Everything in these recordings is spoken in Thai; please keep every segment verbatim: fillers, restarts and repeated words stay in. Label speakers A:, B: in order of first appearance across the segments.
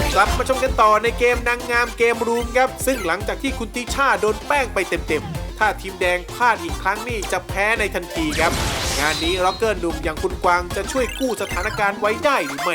A: กลับมาชมกันต่อในเกมนางงามเกมรูมครับซึ่งหลังจากที่คุณติช่าโดนแป้งไปเต็มๆถ้าทีมแดงพลาดอีกครั้งนี่จะแพ้ในทันทีครับงานนี้ร็อกเกอร์หนุ่มอย่างคุณกวางจะช่วยกู้สถานการณ์ไว้ได้หรือไม่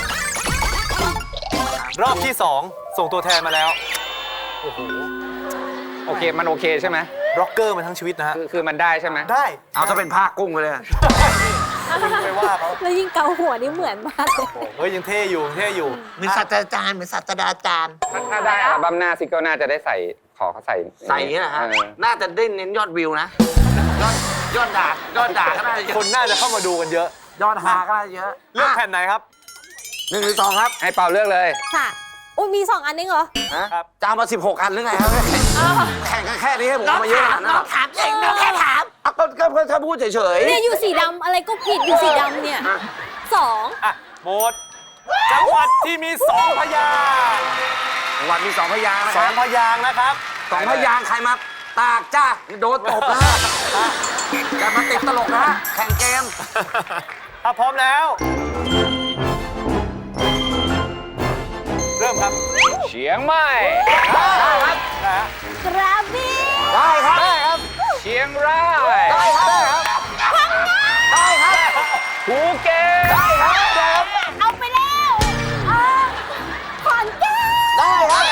B: รอบที่สองส่งตัวแทนมาแล้วโอ้โห
C: โอเคมันโอเคใช่ไหม
B: ร็อกเกอร์มาทั้งชีวิตนะฮะ
C: คือคือมันได้ใช่ไหม
B: ได้
D: เอาถ้าเป็นผ้ากุ้งไปเลย
B: ไม่ว่าเขา
E: แล้วยิ่งเกาหัวนี่เหมือนมากเลย
B: เฮ้ยยังเท่อยู่เท่อยู่
D: เหมือนศาสตราจารย์เหมือนศาสตราจารย์
C: ถ้าได้อัลบั้มหน้าซิงเกิลหน้าจะได้ใส่ขอเขาใส่
D: ใส่นี่แหละฮะน่าจะได้เน้นยอดวิวนะยอดยอดด่ายอดด่าก็ได้
B: คนน่าจะเข้ามาดูกันเยอะ
D: ยอดฮาก็ได้เยอะ
B: เลือกแผ่นไหนครับ
D: หนึ่งหรือสองครับ
C: ให้เป่าเลือกเลย
E: ค่ะอุ้ยมีสองอันนึงเหรอ
D: ครับจะเอามาสิบหกอันหรือไงครับแข่งกันแค่นี้ให้ผมมาเยอะน้องถามเองน้องแค่ถามก็ก็เพื่อถ้าพูดเฉยๆ
E: เนี่ยอยู่สีดำอะไรก็ผิดอยู่สีดำเนี่ยสอง
B: อ่ะหมดจังหวัดที่มีสองพยางค์
D: จังหวัดมีสองพยางค์นะ
B: สองพยางค์นะครับ
D: สองพยางค์ใครมาตากจ้าโดนตบนะฮะจะมาติดตลกนะฮะแข่งเกม
B: ถ้าพร้อมแล้วเริ่มครับ
C: เชียงใหม่
B: ได้ครับ
E: กระบี่
D: ได้ครับได้ครับ
C: เชียงราย
D: ได้ครับ
E: พังงา
D: ได้ครับ
C: ภูเก็ต
D: ได้ครับ
E: เอาไปแล้วขอนแก่น
D: ได้ครับ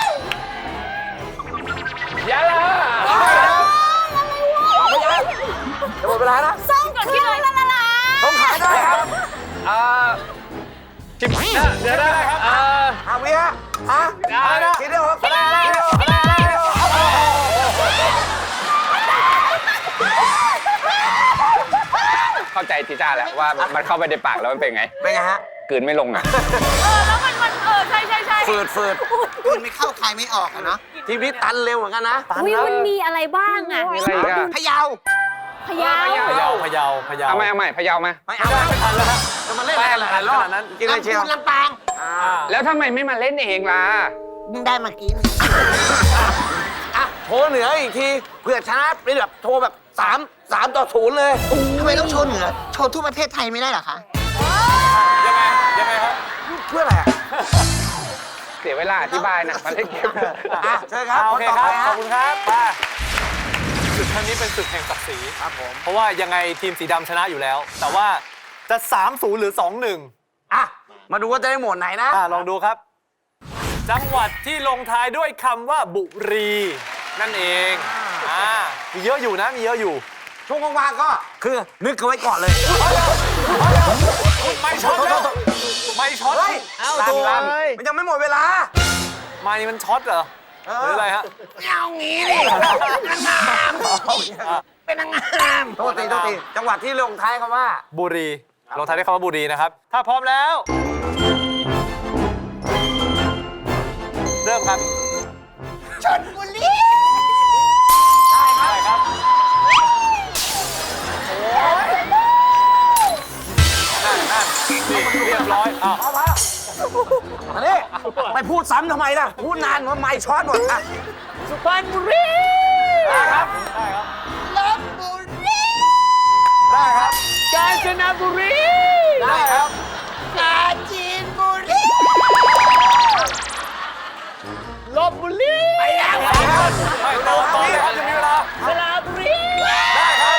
C: ยะลา
D: ได้ครับไม่ใช่จะหมดเวลานะ
E: ส่งคืนละละละ
D: ต้องขายได้ครับ
C: อ่าจิบเดี๋ยวได้ครับอ่า
D: ฮาวิฮะฮะ
C: ได้นะ
D: คิดได้หรอคิดได้คิดได้
C: เข้าใจทีจ้าแล้วว่ามันเข้าไปในปากแล้วมันเป็นไง
D: เป็นไงฮะ
C: กลืนไม่ลงอ่ะ
E: เออแล้วมันมันเออใช่ใช่ใช่
D: ฝืดฝืดกลืนไม่เข้าใครไม่ออกอะเนาะทีนี้ตันเร็วเหมือนกันนะ
E: อุ้ยมันมีอะไรบ้างอ่ะ
C: มีอะไรอีก
D: พะเยา
E: พะเยา
B: พะเยาพะเยาพะเยา
C: เอาใหม่เอาใหม่พะเยามา
D: ไม่เอาไม่ทันแล้วครับจะมาเล่นอะไรหลายรอบนั้นกินอะไรเชียวลำปาง
C: แล้วทำไมไม่มาเล่นเองล่ะ
D: มึงได้มากินอ่ะโทรเหนืออีกทีเพื่อชนะเป็นแบบโทรแบบสามสามต่อศูนย์เลยทำไมต้องโชว์เหนือโชว์ทุกประเทศไทยไม่ได้หรอคะ
B: ยังไงยังไงครับ
D: เพื่ออะไรอ่ะ
C: เสียเวลาอธิบายนะมาเล่นเกม
D: อ่ะเชิญครับ
B: โอเคครับขอบคุณครับไปศึกครั้งนี้เป็นศึกแห่งศักดิ์ศรีครับผมเพราะว่ายังไงทีมสีดำชนะอยู่แล้วแต่ว่าจะ สามศูนย์ หรือ สองหนึ่ง
D: อ่ะมาดูว่าจะได้หมวดไหนนะ
B: อ่ะลองดูครับจังหวัดที่ลงท้ายด้วยคำว่าบุรีนั่นเองอ่ามีเยอะอยู่นะมีเยอะอยู่
D: ช่วงว่างๆก็คือนึกเอาไว้ก่อนเลย
B: ไม่ช็อตแล้วไม่ช็อต
D: เอ้าตัวมันยังไม่หมดเวลา
B: ไม่มันช็อตเหรอหรืออะไรฮะ
D: เอางี้ดินางงามเป็นนางงามโทษทีโทษทีจังหวัดที่ลงท้ายคำว่า
B: บุรีลงท้ายด้วยคำว่าบุรีนะครับถ้าพร้อมแล้วเริ่มครับ
D: ชลบุรีได้ครับ
B: นั่นนั่นเรียบร้อยอ้าว
D: อันนี้ไปพูดซ้ำทำไมล่ะพูดนานว่าไม่ช็อตหมดอ่ะสุพรรณบุรี
B: ได้ครับได้ครับ
D: ลพบุรี
B: ได้ครับ
D: กาญจนบุรี
B: ได้ครับ
D: ปราจีนบุรีลพบุรีไปแล้วครับ
B: ไม่ต่อต่อเลยครับจะมีเวลา
D: สระบุรี
B: ได้ครับ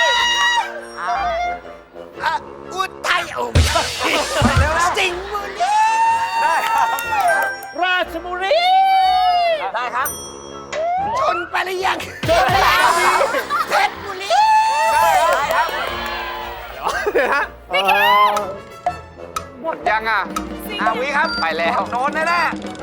D: อุทัยโอ้ไม่ใช่สิงห์บุรี
B: ได้ครับ
D: ราชบุรีได้ครับชนไปหรือยังชนไปแล้วเพชรบุรีได้ครับ
B: เดี๋ยวฮะ
C: หมดยังอ่ะ
D: อาวิครับ
C: ไปแล้ว
D: โดนแน่แน่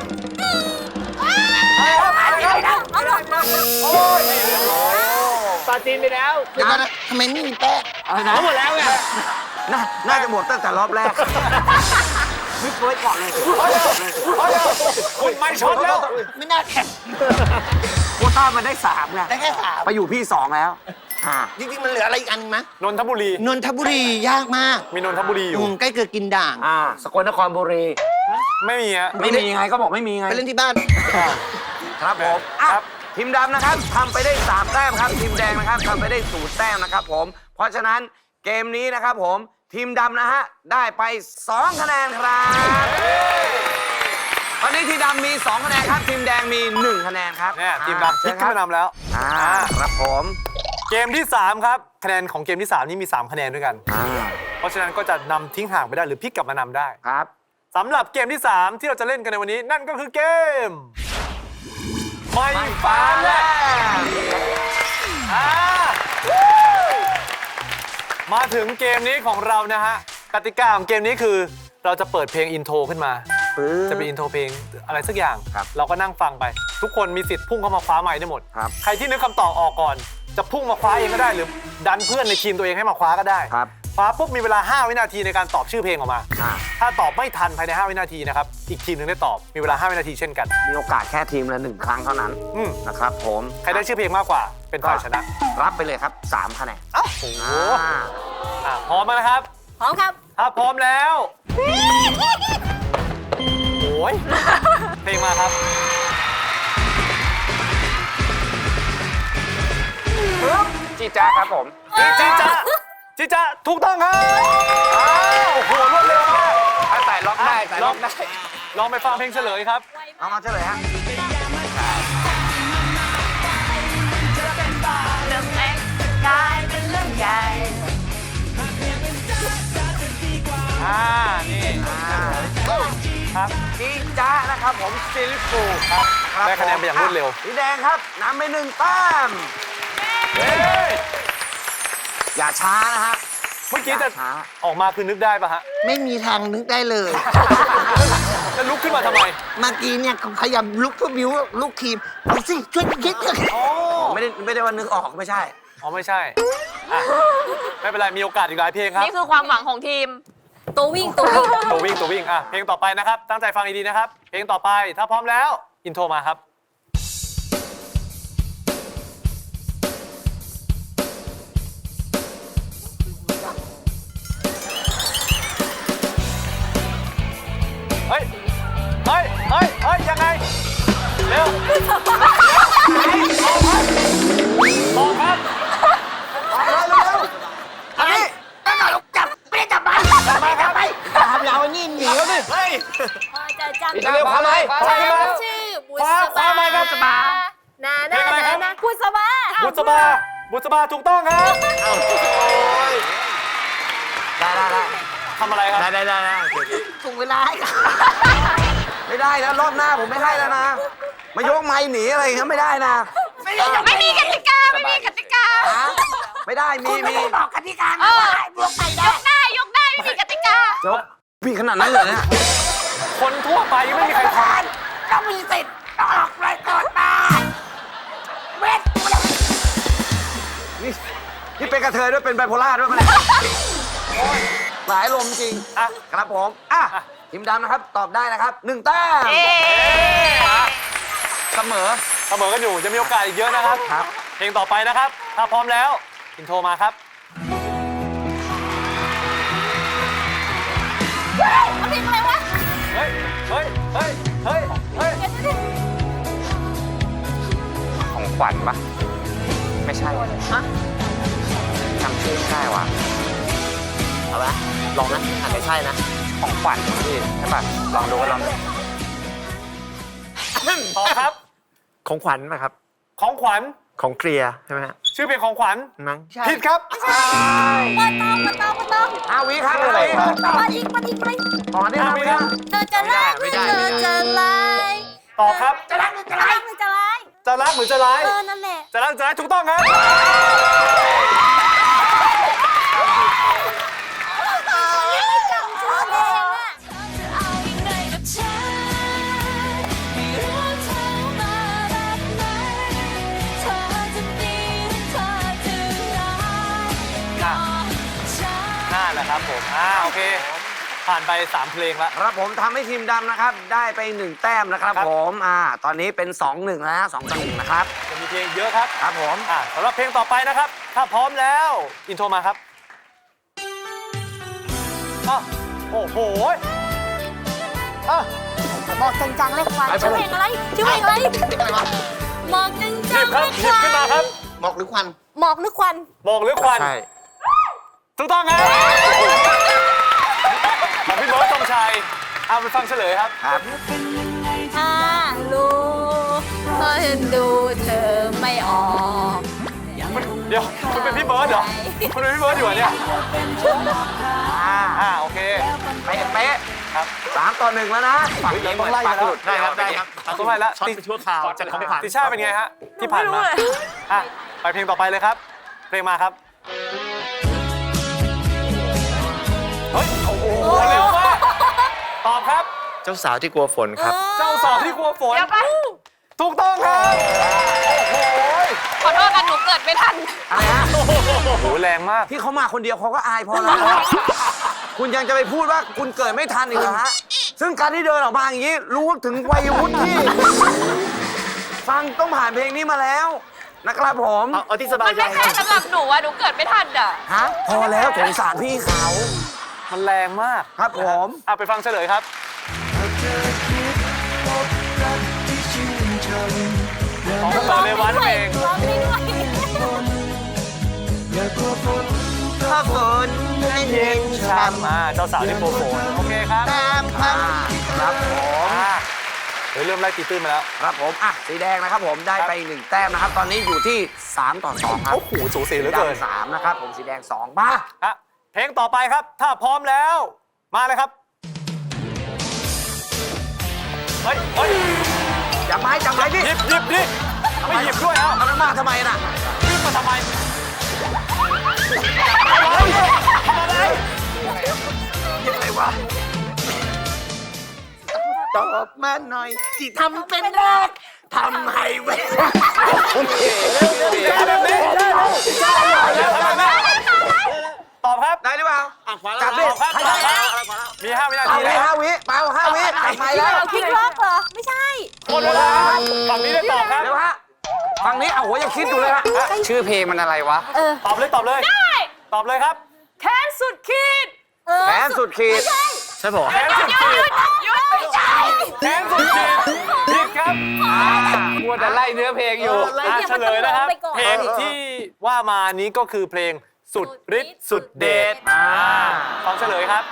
B: โอ้ยปาจีนไปแล้ว
D: เดี๋ยวนะทำไมไม่มีแป้ง
B: อะไรนะหมดแล้วไง
D: น่าน่าจะหมดตั้งแต่รอบแรกไม่เคยก่อนเลย
B: คุณไม่ช็อตแล้ว
D: ไม่น่าแข่งโควต้ามันได้สามไงได้แค่สามไปอยู่พี่สองแล้วจริงๆมันเหลืออะไรอีกอันไหม
B: นนทบุรี
D: นนทบุรียากมาก
B: มีนนทบุรีอยู่
D: ใกล้เกิดกินด่างสกลนครบุรี
B: ไม่มีฮะ
D: ไม่มีไงก็บอกไม่มีไงไปเล่นที่บ้านครับผมครับทีมดำนะครับทำไปได้สามแต้มครับทีมแดงนะครับทำไปได้ศูนย์แต้มนะครับผมเพราะฉะนั้นเกมนี้นะครับผมทีมดำนะฮะได้ไปสองคะแนนครับตอนนี้ทีมดำมีสองคะแนนครับทีมแดงมีหนึ่งคะแนนครับ
B: เนี่ยทีมดำพ
D: เชิ
B: ลิ
D: ญ
B: ก
D: ค
B: ขึ้
D: รั
B: นมานำแล้ว
D: อ่าครับผม
B: เกมที่สามครับคะแนนของเกมที่สามนี่มีสามคะแนนด้วยกัน
D: อ่า
B: เพราะฉะนั้นก็จะนำทิ้งห่างไปได้หรือพลิกกลับมานำได้
D: ครับ
B: สำหรับเกมที่สามที่เราจะเล่นกันในวันนี้นั่นก็คือเกมไม่ฟ้าแลบอ่ามาถึงเกมนี้ของเรานะฮะกติกาของเกมนี้คือเราจะเปิดเพลงอินโทรขึ้นมา จะเป็นอินโทรเพลงอะไรสักอย่าง
D: ครับ
B: เราก็นั่งฟังไป ทุกคนมีสิทธิ์พุ่งเข้ามาคว้าไมค์ได้หมด
D: ครับ
B: ใครที่นึกคำตอบออกก่อน จะพุ่งมาคว้าเองก็ได้ หรือดันเพื่อนในทีมตัวเองให้มาคว้าก็ได้
D: ครับ
B: คว้าปุ๊บมีเวลาห้าวินาทีในการตอบชื่อเพลงออกมา
D: อ่า
B: ถ้าตอบไม่ทันภายในห้าวินาทีนะครับอีกทีมหนึ่งได้ตอบมีเวลาห้าวินาทีเช่นกัน
D: มีโอกาสแค่ทีมละหนึ่งครั้งเท่านั้น
B: อืม
D: นะครับผม
B: ใครได้ชื่อเพลงมากกว่าเป็นฝ่ายชนะ
D: รับไปเลยครับสามคะแนน
B: โอ้โห
D: อ่า
B: อ่ะพร้อมไหมนะครับ
E: พร้อมครับ
B: ถ้าพร้อมแล้วโอ้ยเพลงมาครับ
D: จีจ้าครับผม
B: จีจ้าจีจ้าถูกต้องครับอ้าวโอ้โหรวดเร็วมาก
D: ใส่ล็อกได้ใส่ล็อกได้
B: ลองไปฟังเพลงเฉลยครับ
D: เอามาเฉลยฮะ
E: เรื่องเล็กกลายเป็นเรื่องใหญ่
B: อ่า นี่ ครับ
D: จีจ้านะครับผมซิลิฟู
B: ครับ
D: รับ
B: ได้คะแนนไปอย่างรวดเร็ว
D: สีแดงครับนำไปหนึ่งแต้ม
B: เฮ้ย
D: อย่าช้านะฮะ
B: เมื่อกี้จะ
D: อย่าช้า
B: ออกมาคือนึกได้ปะฮะ
F: ไม่มีทางนึกได้เลย
B: จะลุกขึ้นมาทำไม
F: เมื่อกี้เนี่ยพยายามลุกเพื่อบิวลูกทีมเอาสิช่วยคิดเถอะ
B: อ๋อ
D: ไม่ได้ไม่ได้ว่านึกออกไม่ใช่
B: อ๋อไม่ใช่อ่ะไม่เป็นไร มีโอกาสอีกหลายเพลงครับ
E: นี่คือความหวังของทีม ตัววิ่งตัววิ่ง
B: ตัววิ่งตัววิ่งอ่ะเพลงต่อไปนะครับ ตั้งใจฟังดีๆนะครับ เพลงต่อไปถ้าพร้อมแล้ว อินโทรมาครับ เฮ้ย เฮ้ย เฮ้ย เฮ้ย ยังไง เร็วออกครับออกครับ
D: อันนี้
F: จับไม่ได้จับมันจับไปจับไปตามเรานี่หนีเขาดิ
B: เฮ้ย
E: จะจำ
D: เร็วพาไหม
B: ขวาขึ้นมา
E: ชื่อบุ
B: ขวา
E: ษ
B: ขวามาครับ
E: บานา
B: เพล
E: นาง
B: อะไรครับ
E: นาบุษบา
B: บุษบา บุษบาถูกต้องครับ
D: ได้ได้ได้
B: ทำอะไรครับ
D: ได้ได้ได้ได้
F: ถูกเวลาให้กัน
D: ไม่ได้แล้วรอบหน้าผมไม่ให้แล้วนะ มายกไม้หนีอะไรอย่างเงี้ยไม่ได้นะ
E: ไม่มีกติกา ไม่มีกติกา
D: ไม่ได้มี
F: ไม่
D: มี
F: ได้บอกกติกานะว่าให้บวกไปได้
E: ยกได้ ยกได้ ไม่มีกติกา
D: ยกพี่ขนาดนั้นเลยเนี่ย
B: คนทั่วไปยังไม่มีใครท
F: ต้องมีสิทธิ์ต้องออกรายก่อนมาเวท
D: นี่นี่เป็นกระเทยด้วยเป็นไบโพล่าด้วยมันยโอ้ยหลายลมจริง
B: ำอ่ะ
D: ครับผมอ่ะทีมดำนะครับตอบได้นะครับหนึ่งแต้มเสมอ
B: เสมอกันอยู่จะมีโอกาสอีกเยอะนะครับ
D: ครับ
B: เพลงต่อไปนะครับ ถ้าพร้อมแล้ว อินโทรมาครับ
E: เอาเพลงอะไรวะ
B: เฮ้ย เฮ้ย เฮ้ย เฮ้ย เฮ้ย
E: เดี๋ยวเดี๋ยว
D: ของขวัญปะไม่ใช่จำชื่อไม่ได้ว่ะ
F: เอาละลองนะอาจจะใช่นะ
D: ของขวัญพี่ใช่ปะลองดูก็ลองดู
B: ต่อครับ
G: ของขวัญนะครับ
B: ของขวัญ
G: ของเคลียร์ใช่ไหมฮะ
B: ชื่อเพลงของขวัญ
G: มั้ง
B: ผิดครับ
E: มาตองมาตองมาตอง
D: อาวิครับอะไรครับ
E: มาอีกมาอีกมาอีก
D: ตอนนี้นะวินะ
E: เธอจะรักหรือเธอจะลาย
B: ต่อครับ
E: จะรักหรือจะลายหรือจะลาย
B: จะรักหรือจะร้าย
E: เออ นั่นแหละ
B: จะรักจะร้ายถูกต้องครับ
E: ไม่จำชื่อเพลงอะ
B: น่าแหละครับผม อ่า โอเค ผ่านไปสามเพลงแล้ว
D: ครับผมทำให้ทีมดำนะครับ ได้ไปหนึ่งแต้มนะครับ
B: ครับ
D: ผมอ่าตอนนี้เป็นสองหนึ่งแล้วนะสองต่อหนึ่งนะครับ
B: ยังมีเพลงเยอะครับ
D: ครับผม
B: อ่าสำหรับเพลงต่อไปนะครับ ถ้าพร้อมแล้ว อินโทรมาครับอ้าวโอ้โหอ่ะ
E: บอกจังๆเลยควันชื่อเพลงอะไรชื่อเพลงอะไรหมอกจัง
B: หยิบ
E: ๆ
B: ครับ
E: เลย
B: หยิบขึ้นมาครับ
F: หมอกหรือควัน
E: หมอกหรือควัน
B: บอกหรือควัน
G: ใช่
B: ถูกต้องครับของพี่เบิร์ดธงชัยเอาไปฟังเฉลยครับ
D: ครับ
H: เป็นยังไง
E: รู้เพราะฉันดูเธอไม่ออก
B: เดี๋ยวคุณเป็นพี่เบิร์ดเหรอคุณเป็นพี่เบิร์ดอยู่เหรอเนี่ย
D: อ่า
B: อ่าโอเค
D: เป๊ะเป๊ะ
B: ครับ
D: สามต่อหนึ่งแล้วนะฝั่ง
B: เฮ้ย
D: นี้
B: เราต้องไล่กันแล้ว
G: ได้ครับได้ครับ
B: ต้องไล่แล้ว
G: ช็อตไปชั่วคราวจากของขวัญ
B: ติช่าเป็นไงฮะที่ผ่านมาอ่ะไปเพลงต่อไปเลยครับเพลงมาครับเฮ้ยโอ้โหเร็วมากตอบครับ
G: เจ้าสาวที่กลัวฝนครับ
B: เจ้าสาวที่กลัวฝน
F: เดี๋ยวไป
B: ถูกต้องครับโอ้โห
F: ขอโทษกันหนูเกิดไม่ทัน
D: อะไรฮะ
B: โอ้โหแรงมาก
D: ที่เขามาคนเดียวเขาก็อายพอแล้ว คุณยังจะไปพูดว่าคุณเกิดไม่ทันอีกเหรอฮะ ซึ่งการที่เดินออกมาอย่างนี้ รู้ถึงวัยวุฒิที่ ฟังต้องผ่านเพลงนี้มาแล้วนะครับผม
G: เอาเอาที่สบา
F: มั
G: ย
F: น
G: ใจ
F: ไม่แค่สำหรับหนูอะหนูเกิดไม่ทันอะ
D: ฮะ พอแล้วสงสารพี่เขา
B: มันแรงมาก
D: ครับผม
B: อ่ะไปฟังเฉลยครับของคุณต่อในวันเพลง
E: ร้องได้ด้วย
D: ถ้าฝนไม่เย็นช้
B: มาเจ้าสาวที่กลัวฝนโอเคครับ
D: ำตามคำครับผม
B: อ่ะเฮ้ยเริ่มไล่ตีตื้นมาแล้ว
D: ครับผม อ่ะ สีแดงนะครับผม ได้ไปหนึ่งแต้มนะครับ ตอนนี้อยู่ที่สามต่อสองครับ
B: โอ้โหสูสีเหลือเกิน
D: สีดำสามนะครับ ผมสีแดงสองมา
B: อ่ะเพลงต่อไปครับ ถ้าพร้อมแล้ว มาเลยครับเฮ้ยเฮ้ย
D: จับไม้จับไม้ดิ
B: หยิบหยิบดิไม่หยิบด้วยเอ้า
D: เอาน้ำมาทำไมน่ะ
B: หยิบมาทำไมทำอะไร
D: ยังไงวะ ตอบมาหน่อย ที่ทำเป็นแรกทำให้เว้ย
B: ตอบครับ
D: ได้หรือเปล่าจับดิ
B: ตอบครับ
D: ให้
B: ตอบค
D: ได้
B: รับมีห้าวินา
D: เอา
B: ที
D: วิ
B: แล้ว
D: ห้าวิเปล่าห้าวิจับไม้แล้ว
E: พลิกล็อกเหรอ ไม่ใช่
B: หมดเวลาฝั่งนี้ได้ตอบครับ
D: เดี๋ยวฮะฝั่งนี้เอาหัวยังคิดอยู่เลยฮะ ชื่อเพลงมันอะไรวะ
E: เออ
B: ตอบเลยตอบเลย
F: ได้
B: ตอบเลยครับ
F: แค้นสุดขีด
E: เออ
D: แผนสุดขีด
G: ใช่ปะวะ
B: แขนสุด
F: หยุ
B: ขี
F: ด
B: ด
F: หยุดไม่ใช่
B: แขนสุดขีดผิดครับ
D: มัวแต่ไล่เนื้อเพลงอยู่
B: อ่ะเฉลยนะครับ เพลงที่ว่ามานี้ก็คือเพลงสุดฤทธิ์สุดเดชอ่าฟังเฉลยครับ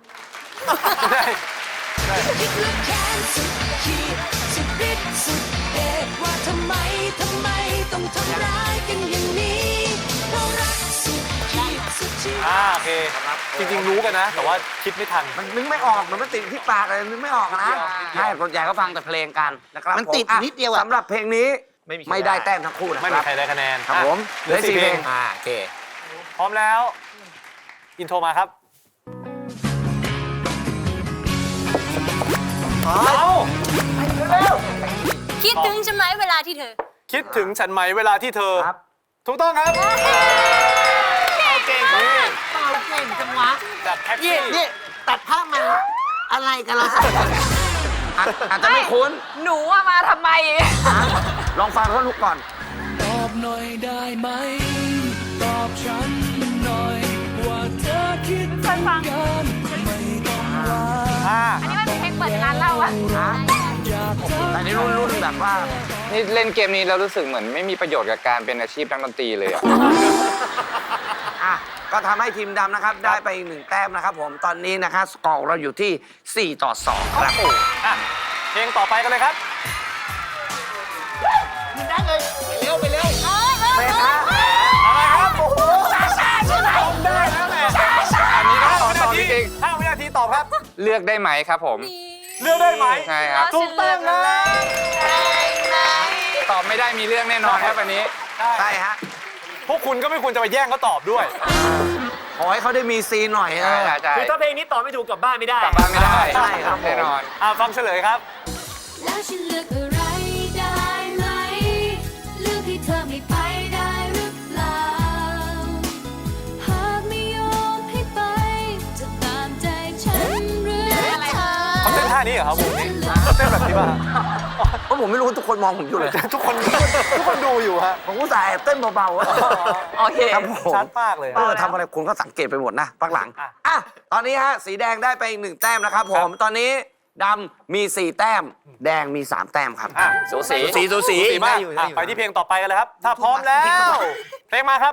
H: แค้นสุดขีดสุดฤทธิ์สุดเดชว่าทำไม ทำไมต้องทำร้ายกันอย่างนี้เพราะรักสุดขีดสุดชีวิต
B: อ่าโอเค จริงๆรู้กันนะ แต่ว่าคิดไม่ทัน
D: มันนึกไม่ออก มันไม่ติดที่ปากเลยนึกไม่ออกนะใช่ส่วนใหญ่ก็ฟังแต่เพลงกันนะครับ
I: มันติด
D: ผอ่ะ
I: นิดเดียวอะ
D: สำหรับเพลงนี้
G: ไม่มีใคร
D: ไม่ได้แต้มทั้งคู่นะ
B: ไม่
D: ค
B: มี
D: รับ
B: ใครได้คะแนน
D: ครับ
B: อ่ะ
D: ผม
B: เหลือสี่เพลง
D: อ่าโอเค
B: พร้อมแล้ว อินโทรมาครับเอา
E: คิดถึงใช่ไหมเวลาที่เธอ
B: คิดถึงฉันไหมเวลาที่เธอ
D: ครับ
B: ถูกต้องครับ
I: เก่งมากเป่าเก่งจังวะ
B: จากแท็ก
I: นี่
B: ซี่
I: นี่ตัดภาพมาอะไรกันเราสองคน
D: อาจอาจจะไม่คุ้น
F: หนูอะมาทำไม
D: ลองฟังท่อนฮุกก่อน
H: ตอบหน่อยได้ไหม ตอบฉันหน่อย ว่าเธอคิด
F: เคยฟัง
H: กันไม่ต้องว่า
B: อ่า
F: อันนี้มันเป็นเพลงเปิดงานเล่าอะ
D: แต่นี่รุ่นรุ่นแบบว่า
J: นี่เล่นเกมนี้แล้วรู้สึกเหมือนไม่มีประโยชน์กับการเป็นอาชีพนักดนตรีเลยอะ
D: อ่ะ ก็ทำให้ทีมดำนะครับ ได้ไปอีกหนึ่งแต้มนะครับผม ตอนนี้นะครับสกอร์เราอยู่ที่สี่ต่อสองครับ
B: อ่ะเพลงต่อไปกันเลยครับ
I: ได้เลยไปเร็วไปเร็ว
D: เมธา
B: อะไรครับ โอ้โหได้แล้วแหละ
J: อันนี้ต้อง
B: ห้า
J: ตอบ
B: วิ
J: ต
B: นา
J: อบ
B: ที
J: จริง
B: ห้าวินาทีตอบครับ
J: ๆเลือกได้ไหมครับผม
B: เลือกได้ไหม
J: ใช่ครับ
B: ถูกต้องครับ
J: ตอบไม่ได้มีเรื่องแน่นอนครับอันนี้
D: ใช่ฮะ
B: พวกคุณก็ไม่ควรจะไปแย่งเขาตอบด้วย
D: ขอให้เขาได้มีซีนหน่อย
J: ใช่
D: นะ
J: ใช่ใช่
G: คือถ้าเพลงนี้ตอบไม่ถูกกลับบ้านไม่ได้
J: กลับบ้านไม่ได้
D: ใช่ครับ
J: แน่นอน
B: อ่ะฟังเฉลยครับ
H: แล้วฉันเลือกอะไรได้ไหม เลือกที่เธอไม่ไปได้หรือเปล่า หากไม่ยอมให้ไป จะตามใจฉันหรือเธอ
B: เขาเต้นท่านี้เหรอครับผมนี่เต้นแบบนี้ป่ะ
D: เพราะผมไม่รู้ทุกคนมองผมอยู่เลย
B: ทุกคนทุกคนดูอยู่ฮะ
D: ผมก็ใส่แอบเต้นเบาๆอะ
F: โอเค
D: ครับผม
B: ชัดมากเลย
D: เออทำอะไรคุณก็สังเกตไปหมดนะปักหลัง
B: อ่ะ
D: อ่ะ ตอนนี้ฮะ สีแดงได้ไปอีกหนึ่งแต้มนะครับผม ตอนนี้ดำมีสี่แต้ม แดงมีสามแต้มครับ
B: อ่ะ
J: สูสี
G: สีสูสี
B: สีมากอ่ะไปที่เพลงต่อไปกันเลยครับ ถ้าพร้อมแล้ว เพลงมาครับ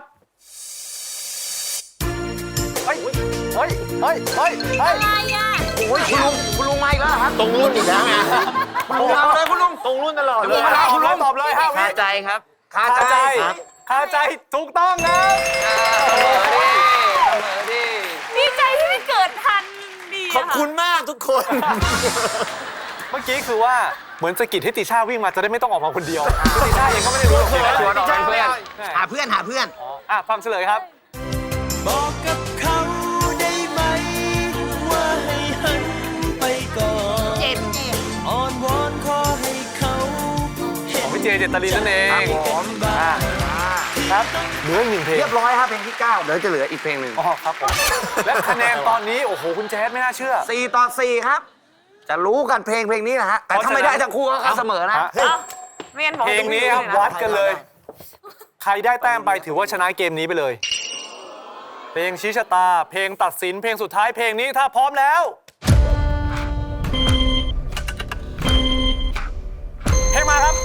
B: เฮ้ย เฮ้ย เฮ้ย เฮ้ย เฮ้ย
E: อะไรอ่ะ
D: โอ้ยคุณลุงคุณลุงมาอีกแล้วเหรอครับ
G: ตรงรุ่นอีกแล้วไง
D: คุณลุงเอาเลยคุณลุง
G: ตรงรุ่นตลอดเล
B: ต
G: ย
B: อบเลยตอบเลยห้าวิ
G: คาใจครับ
D: คา
B: คา
D: ใจ
B: ใจคาใจถูกต้องครับ
J: เสมอดิเสมอดิ
E: ดีใจที่ไม่เกิดทันดี
G: ขอบคุณมากทุกคน
B: เมื่อกี้คือว่าเหมือนสะกิดให้ติช่าวิ่งมาจะได้ไม่ต้องออกมาคนเดียวคือติช่าเองก็ไม่ได้รู้หรอก
J: ชวนออกเป็นเพื่อน
I: หาเพื่อนหาเพื่อน
B: อ๋ออ่ะฟังเฉลยครับ
F: บอกกับเขาได้ไหม ว่าให้หันไปก่อน
I: เจ็บเจ็บ
F: อ่อนวอนขอให้เขาเห็
B: ข
F: น
B: องพี่เจเจตลินนั่นเอง
D: ครับผม
B: อ่าครับเหลืออีกหนึ่งเพลง
D: เรียบร้อยครับเพลงที่เก้าเดี๋ยวจะเหลืออีกเพลงหนึ่ง
B: อ๋อครับผมและคะแนนตอนนี้โอ้โหคุณแจ๊ดไม่น่าเชื่อ
D: สี่ต่อสี่ครับ จะรู้กันเพลงเพลงนี้นะฮะแต่ถ้าไม่ได้ทั้งคู่ก็เสมอนะ
B: ฮะ
E: ไม่งั้นบอก
B: เพลงนี้ครับวัดกันเลย ใครได้แต้มไปถือว่าชนะเกมนี้ไปเลย เพลงชี้ชะตา เพลงตัดสินเพลงสุดท้ายเพลงนี้ถ้าพร้อมแล้ว เพลงมาครับ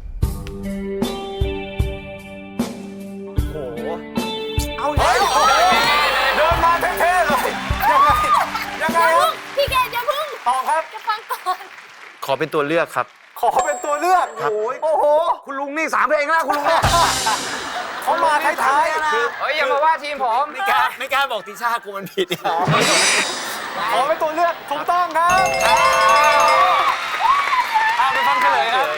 B: โอ้โห
D: เอาเล
B: เฮ้
D: ย
B: ยเดินมาเท่ๆเลย ยังไง ยังไง
E: อย่า
B: ครั
E: พึ่
B: บ
E: งพี่เกดอย่าพึ่ง
B: ตอบครับ
E: จะฟังก่อน
G: ขอเป็นตัวเลือกครับ
B: ขอเป็นตัวเลือก
D: โอ้ย
B: โอ้โห
D: คุณลุงนี่สามเพลงแล้วคุณลุงเนี่ย
B: เขามาท้ายๆคือ
J: เฮ้ย อย่ามาว่าทีมผม
G: ไม่กล้าไม่กล้าบอกติช่ากูมันผิดเนี่ย
B: ขอเป็นตัวเลือกถูกต้องครับเอาไปฟังเฉลยครับ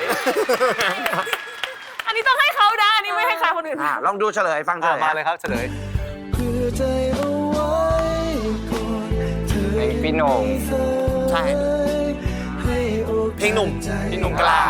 E: อันนี้ต้องให้เขานะอันนี้ไม่ให้ใครคนอื่น
D: อ่ะลองดูเฉลยฟังเฉ
B: อ่ะ
D: ลย
B: มาเลยครับเฉลย
F: เพื่อใจเอาไว้ก่อนเธอ
J: เพลงพี่โหน่ง
I: ใช่
F: ให้โอกาส
G: เพลงหนุ่ม
J: พี่หนุ่มกล้า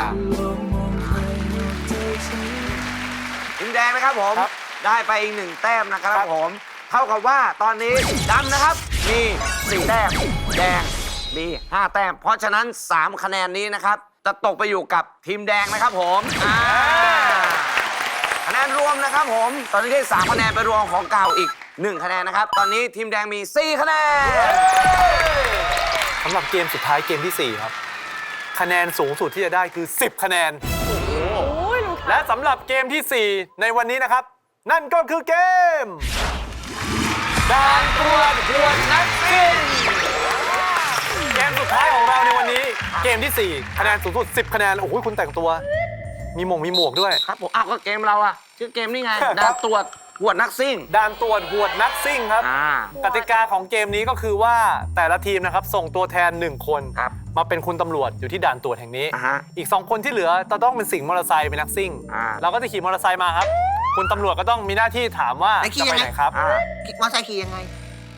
D: ทีมแดงนะครับผม
B: ครับ
D: ได้ไปอีกหนึ่งแต้มนะครับ
B: ครับ
D: ผม เท่ากับว่าตอนนี้ดำนะครับ มีสี่แต้ม แดงมีห้าแต้ม เพราะฉะนั้นสามคะแนนนี้นะครับ จะตกไปอยู่กับทีมแดงนะครับผมอ่าคะแนนรวมนะครับผม ตอนนี้ได้สามคะแนนไปรวมของเก่าอีกหนึ่งคะแนนนะครับ ตอนนี้ทีมแดงมีสี่คะแนน
B: สำหรับเกมสุดท้ายเกมที่สี่ครับ คะแนนสูงสุดที่จะได้คือสิบคะแนน และสำหรับเกมที่สี่ในวันนี้นะครับ นั่นก็คือเกมด่านตรวจหวดนักซิ่งเกมสุดท้ายของเราในวันนี้ เกมที่สี่คะแนนสูงสุดสิบคะแนนโอ้โหคุณแต่งตัว มีหมงมีหมวกด้วย
D: ครับผมอ้าวก็เกมเราอะชื่อเกมนี่ไง
B: ครับ
D: ดาวตรวจหวดนักซิ่ง
B: ด่านตรวจหวดนักซิ่งครับ
D: อ่า
B: กติกาของเกมนี้ก็คือว่าแต่ละทีมนะครับส่งตัวแทนหนึ่งคน
D: ครับ
B: มาเป็นคุณตำรวจอยู่ที่ด่านตรวจแห่งนี้
D: อ่าฮะ
B: อีกสองคนที่เหลือจะต้องเป็นสิงห์มอเตอร์ไซค์เป็นนักซิ่ง
D: อ่า
B: เราก็จะขี่มอเตอร์ไซค์มาครับ คุณตำรวจก็ต้องมีหน้าที่ถามว่า
I: ไอ้ขี่
B: จะไป
I: ยังไง
B: ไหนครับ
D: อ่า
I: คิดว่าใช่ขี่ยังไง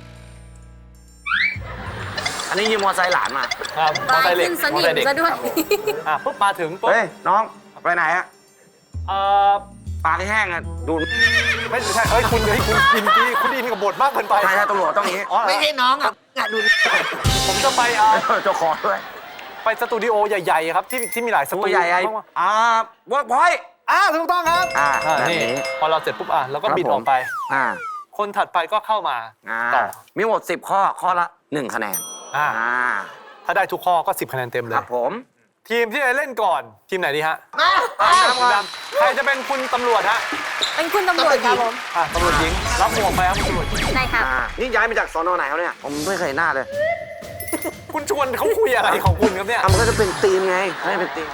D: อันนี้ยืมมอไซค์หลานมา
B: ครับมอเตอร์ไซค์เหล็ก
E: ขึ้นส
B: มอ
E: นิ
B: เตอ
E: ม
B: ร์ไซค์เด็ก
E: ซะด้วย
B: อ่ะปุ๊บมาถึงปุ๊บ
D: เฮ้ย น้องไปไหนอะ
B: เอ่อ
D: ปากแห้งอะดู
B: ไม่ใช่เอ้ยคุณเฮ้ยคุณอินดีคุณอินกับบทมากเกินไป
D: ใช่ใช่ตำรวจต้องอย่างนี้
B: อ๋อเหรอ
I: ไม่ใช่น้องอ่ะอ่ะดู
B: ผมจะไปเอ่อ
D: เจ้าของด้วย
B: ไปสตูดิโอใหญ่ๆครับที่ที่มีหลายสตู
D: ตัวใหญ่ไอ้
B: มากๆ
D: อ่าเวิร์กพอยต์
B: อ่าถูกต้องครับ
D: อ่า
B: อ่า
D: แบบ
B: นี่
D: นี้
B: พอเราเสร็จปุ๊บอ่ะเราก็
D: ครับ
B: บิด
D: ผม
B: ออกไป
D: อ่า
B: คนถัดไปก็เข้ามา
D: อ่า
B: ต่อ
D: มีหมดสิบข้อ ข้อละหนึ่งคะแนน
B: อ่า
D: อ่า
B: ถ้าได้ทุกข้อก็สิบคะแนนเต็มเล
D: ครั
B: ย
D: บผม
B: ทีมที่จะเล่นก่อนทีมไหนดีฮะ
I: มา
B: ดำใครจะเป็นคุณตำรวจฮะ
E: เป็นคุณตำรวจครับผม
B: อ่ะตำรวจหญิงรับหมวกไปครับคุณตำรวจหญิง
E: ได้ครับ
D: อ่า นี่ย้ายมาจากสอนอไหนเขาเนี่ย ผมไม่เคยเห็นหน้าเลย
B: คุณชวนเขาคุยอะไรของคุณครับเนี่ย
D: อ่ะมันก็จะเป็นทีมไงไม่เป็นทีม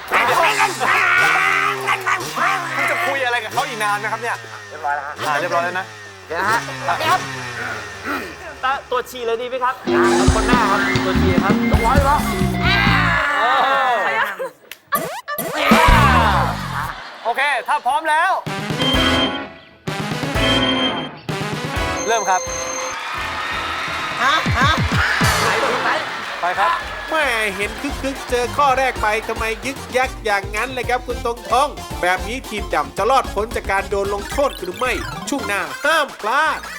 B: คุณจะคุยอะไรกับเขาอีกนานไหมครับเนี่ย
D: เรียบร้อยแล้วฮะ
B: อ่าเรียบร้อยแล้วนะ
D: เดี๋ยวนะฮะ
G: ตัวชีเลยดีไหมครับ คนหน้าครับ ตัวชีครับ
D: เรียบร้อยแล้ว
B: โอเค ถ้าพร้อมแล้ว เริ่มครับ
I: ฮะฮะ
B: ไปครับ
A: แม่เห็นคึกคึกๆเจอข้อแรกไปทำไมยึกยักอย่างนั้นเลยครับคุณตรงทอง แบบนี้ทีมดำจะรอดพ้นจากการโดนลงโทษหรือไม่ ช่วงหน้าห้ามพลาด